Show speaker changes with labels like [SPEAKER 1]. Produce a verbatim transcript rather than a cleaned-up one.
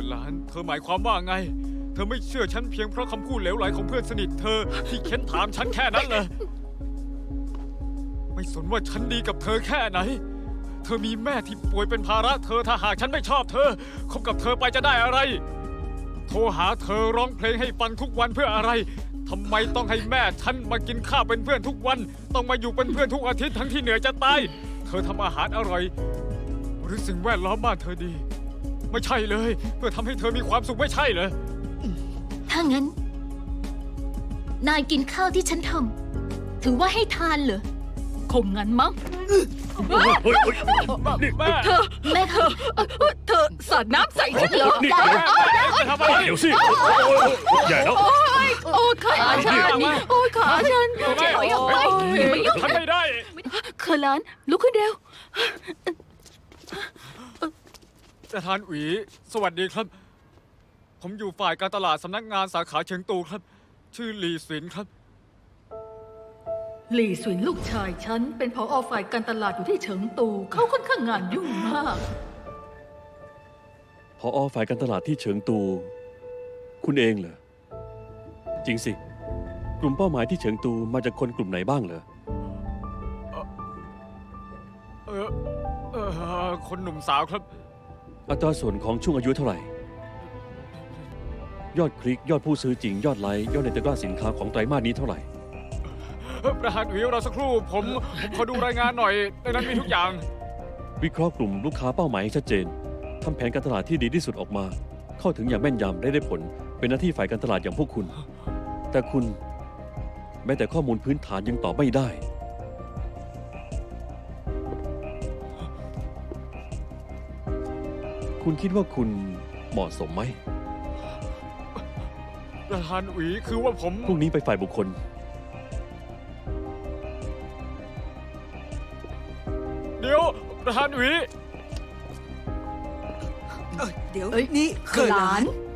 [SPEAKER 1] อหลานเธอหมายความว่าไงเธอไม่เชื่อฉันเพียงเพราะคำพูดเหลวไหลของเพื่อนสนิทเธอที่เค้นถามฉันแค่นั้นเลยไม่สนว่าฉันดีกับเธอแค่ไหนเธอมีแม่ที่ป่วยเป็นภาระเธอถ้าหากฉันไม่ชอบเธอคบกับเธอไปจะได้อะไรโทรหาเธอร้องเพลงให้ฟังทุกวันเพื่ออะไรทำไมต้องให้แม่ฉันมากินข้าวเป็นเพื่อนทุกวันต้องมาอยู่เป็นเพื่อนทุกอาทิตย์ทั้งที่เหนื่อยจะตายเธอทำอาหารอร่อยหรือสิ่งแวดล้อมบ้านเธอดีไม่ใช่เลยเพื่อทำให้เธอมีความสุขไม่ใช่เหรอ
[SPEAKER 2] ถ้างั้นนายกินข้าวที่ฉันทำถือว่าให้ทานเหรอคงงั้นมั้ง
[SPEAKER 3] เฮ้ยเฮ้ยนี่
[SPEAKER 1] แม่
[SPEAKER 2] เธอแม่คะเธอสาดน้ำใส่ฉันเหรอ
[SPEAKER 3] นี่
[SPEAKER 1] จะทำอะไร
[SPEAKER 3] เดี๋ยวสิใหญ่แล้ว
[SPEAKER 2] โอ้ยขาฉันโอ้ยขาฉันจะถอยออกไปไม่ยุ่ง
[SPEAKER 1] ทำไม่ได้
[SPEAKER 2] เคอร์ลานลุกขึ้นเร็ว
[SPEAKER 1] ประธานอุ๋ยสวัสดีครับผมอยู่ฝ่ายการตลาดสำนักงานสาขาเชียงตูครับ ชื่อหลีสินครับ
[SPEAKER 4] หลี่สวินลูกชายฉันเป็นผอ.ฝ่ายการตลาดอยู่ที่เฉิงตูเขาค่อนข้างงานยุ่งมาก
[SPEAKER 3] ผอ.ฝ่ายการตลาดที่เฉิงตู คุณเองเหรอจริงสิกลุ่มเป้าหมายที่เฉิงตูมาจากคนกลุ่มไหนบ้างเหรอ
[SPEAKER 1] เออเออคนหนุ่มสาวครับ
[SPEAKER 3] อัตราส่วนของช่วงอายุเท่าไหร่ ยอดคลิกยอดผู้ซื้อจริงยอดไลค์ยอดในตะกร้าสินค้าของไตรมาสนี้เท่าไหร่
[SPEAKER 1] ประธานอุ๋ยรอสักครู่ผมผมขอดูรายงานหน่อยในนั้นมีทุกอย่าง
[SPEAKER 3] วิเคราะห์กลุ่มลูกค้าเป้าหมายให้ชัดเจนทำแผนการตลาดที่ดีที่สุดออกมา เข้าถึงอย่างแม่นยำได้ได้ผลเป็นหน้าที่ฝ่ายการตลาดอย่างพวกคุณ แต่คุณแม้แต่ข้อมูลพื้นฐานยังตอบไม่ได้ คุณคิดว่าคุณเหมาะสมไหม
[SPEAKER 1] ประธานอุ๋ยคือว่าผม
[SPEAKER 3] พรุ่งนี้ไปฝ่ายบุคคล
[SPEAKER 1] เดี๋ยวประธานอุ๋ย
[SPEAKER 5] เอ้ยเดี๋ยว
[SPEAKER 4] เอ้ย
[SPEAKER 5] นี่เคย
[SPEAKER 4] ห
[SPEAKER 5] ห
[SPEAKER 4] ลา
[SPEAKER 5] ลาน น